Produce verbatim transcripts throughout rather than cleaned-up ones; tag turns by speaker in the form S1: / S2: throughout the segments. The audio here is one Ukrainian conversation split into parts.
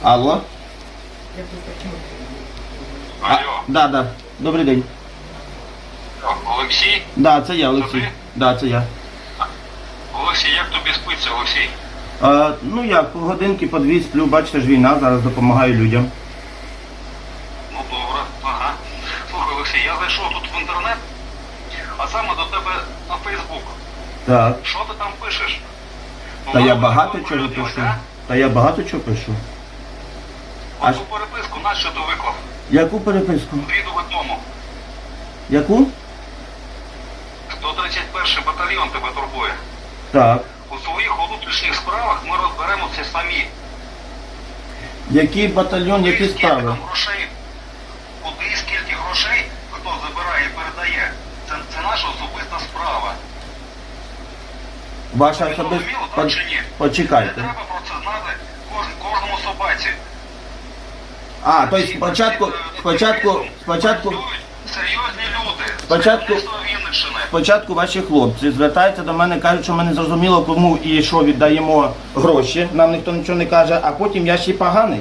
S1: Алло? А,
S2: Алло,
S1: да, да. Добрий день.
S2: Олексій?
S1: Да, це я,
S2: Це
S1: Олексій.
S2: ти?
S1: Да, це я.
S2: Олексій, як тобі спиться, Олексій?
S1: А, ну як, годинки по дві сплю, бачите ж війна, зараз допомагаю людям.
S2: Ну добре, ага. Слухай, Олексій, я зайшов тут в інтернет, а саме до тебе на Фейсбук.
S1: Так.
S2: Що ти там пишеш? Ну,
S1: Та я
S2: мало
S1: багато
S2: не
S1: чого
S2: оприлюднювати,
S1: пишу.
S2: а?
S1: Та я багато чого пишу. А
S2: Оцю переписку нащо ти виклав?
S1: яку переписку?
S2: Відео тому.
S1: Яку?
S2: сто тридцять перший батальйон тебе турбує.
S1: Так.
S2: У своїх внутрішніх справах ми розберемося самі.
S1: Який батальйон, які
S2: Скільки
S1: справи?
S2: там грошей, куди і скільки грошей, хто забирає і передає, це, це наша особиста справа.
S1: Ваша
S2: Тобі
S1: особиста...
S2: зрозуміло, так чи ні? Не
S1: Почекайте.
S2: треба про це знати кож, кожному собаці.
S1: А, тобто
S2: Всі
S1: спочатку,
S2: працюють,
S1: спочатку, спочатку,
S2: працюють серйозні люди.
S1: Спочатку-
S2: Керівництво Вінниччини.
S1: спочатку ваші хлопці звертаються до мене, кажуть, що ми не зрозуміло, кому і що віддаємо гроші, нам ніхто нічого не каже, а потім я ще й поганий.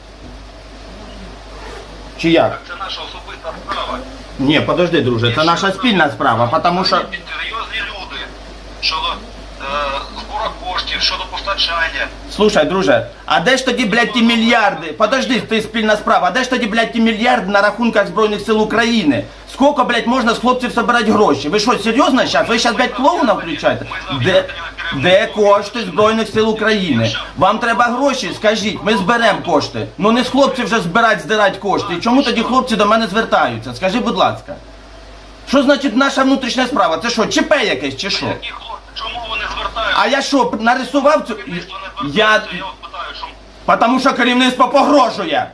S1: Чи як?
S2: Це наша особиста справа.
S1: Ні, подожди, друже, це наша спільна справа, тому що...
S2: Серйозні люди щодо е, збору коштів, щодо постачання.
S1: Слушай, друже, а де ж тоді, блядь, ті мільярди? Подожди, ти спільна справа, а де ж тоді, блядь, ті мільярди на рахунках Збройних сил України? Скільки, блядь, можна з хлопців збирати гроші? Ви що, серйозно зараз? Ви зараз, блядь, клоуна включаєте? Де, де кошти Збройних сил України? Вам треба гроші? Скажіть, ми зберемо кошти. Ну не з хлопців вже збирати, здирати кошти. І чому тоді хлопці до мене звертаються? Скажи, будь ласка. Що значить наша внутрішня справа? Це що, ЧП якесь чи що?
S2: Які хлопці? Чому вони звертаються?
S1: А я що, нарисував цю...
S2: Керівництво не
S1: Я...
S2: звертається, я от питаю, що...
S1: Потому що керівництво погрожує.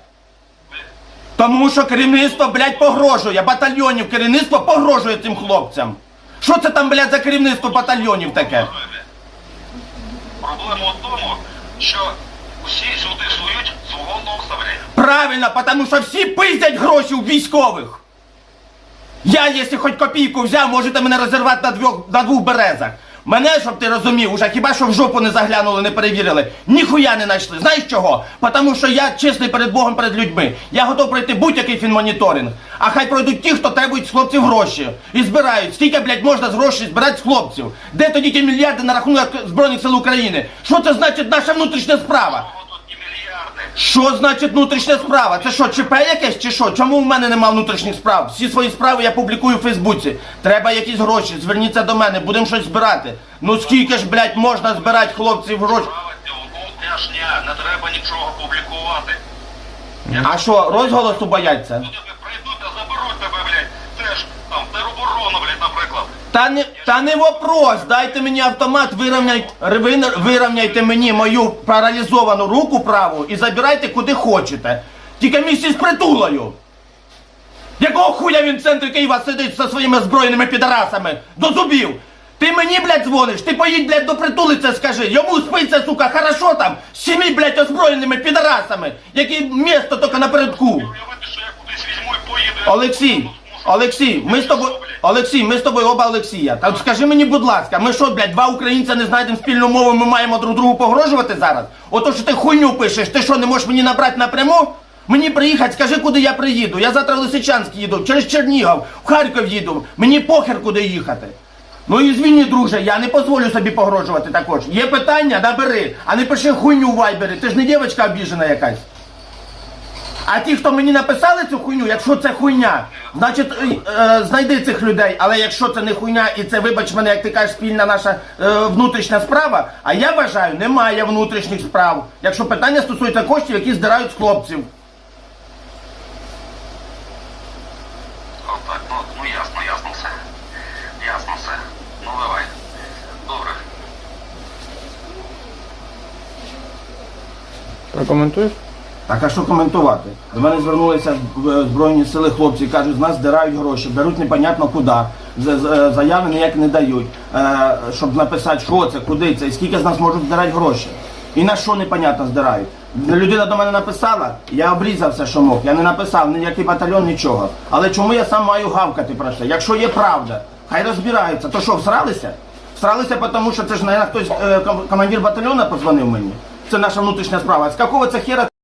S1: Тому що керівництво, блядь, погрожує. Батальйонів керівництво погрожує цим хлопцям. Що це там, блядь, за керівництво батальйонів таке?
S2: Проблема в тому, що усі сюди сують свого носа, блядь.
S1: Правильно, тому що всі пиздять гроші у військових. Я, якщо хоч копійку взяв, можете мене розірвати на двох, на двох березах. Мене, щоб ти розумів, уже хіба що в жопу не заглянули, не перевірили, ніхуя не знайшли. Знаєш чого? Тому що я чесний перед Богом, перед людьми. Я готов пройти будь-який фінмоніторинг. А хай пройдуть ті, хто требують з хлопців гроші. І збирають. Скільки, блядь, можна з грошей збирати з хлопців? Де тоді ті мільярди на рахунок Збройних сил України? Що це значить наша внутрішня справа?
S2: Чого тут ті мільярди?
S1: Що значить внутрішня справа? Це що, ЧП якесь чи що? Чому в мене нема внутрішніх справ? Всі свої справи я публікую в Фейсбуці. Треба якісь гроші, зверніться до мене, будемо щось збирати. Ну скільки ж, блядь, можна збирати хлопців гроші?
S2: Справа внутрішня, не треба нічого публікувати.
S1: А що, розголосу бояться?
S2: Люди прийдуть та заберуть тебе, блядь, теж там тероборону, блядь, наприклад.
S1: Та не, та не вопрос, дайте мені автомат, вирівняйте, вирівняйте мені мою паралізовану руку праву і забирайте куди хочете. Тільки місці з притулою. Якого хуя він в центрі Києва сидить зі своїми збройними підарасами? До зубів. Ти мені, блядь, дзвониш, ти поїдь, блядь, до притули це скажи. Йому спиться, сука, хорошо там, з сім'ї, блядь, озброєними підарасами, які місто тільки напередку.
S2: Уявити, що я кудись візьму і поїду.
S1: Олексій, Олексій, ми з тобою, Олексій, ми з тобою оба Олексія. Так скажи мені, будь ласка, ми що, блядь, два українця не знайдемо спільну мову, ми маємо друг другу погрожувати зараз? Ото що ти хуйню пишеш, ти що, не можеш мені набрати напряму? Мені приїхати, скажи, куди я приїду. Я завтра в Лисичанськ їду, через Чернігів, в Харків їду. Мені похер, куди їхати. Ну і звільні, друже, я не дозволю собі погрожувати також. Є питання, набери, а не пиши хуйню в вайбері, ти ж не дівчинка обіжена якась. А ті, хто мені написали цю хуйню, якщо це хуйня, значить е, е, знайди цих людей. Але якщо це не хуйня і це, вибач мене, як ти кажеш, спільна наша е, внутрішня справа, а я вважаю, немає внутрішніх справ, якщо питання стосується коштів, які здирають з хлопців.
S2: Отак, ну, ну ясно, ясно все. Ясно все. Ну давай. Добре.
S3: Прокоментуєш?
S1: Так, а що коментувати? До мене звернулися в Збройні сили хлопці, кажуть, з нас здирають гроші, беруть непонятно куди, з- з- заяви ніяк не дають, е, щоб написати, що це, куди це, і скільки з нас можуть здирати гроші. І на що непонятно здирають. Людина до мене написала, я обрізав все, що мог, я не написав ніякий батальйон, нічого. Але чому я сам маю гавкати про це? Якщо є правда, хай розбираються. То що, всралися? Всралися, тому що це ж, мабуть, хтось, е, ком- командир батальйону позвонив мені. Це наша внутрішня справа. З якого це хера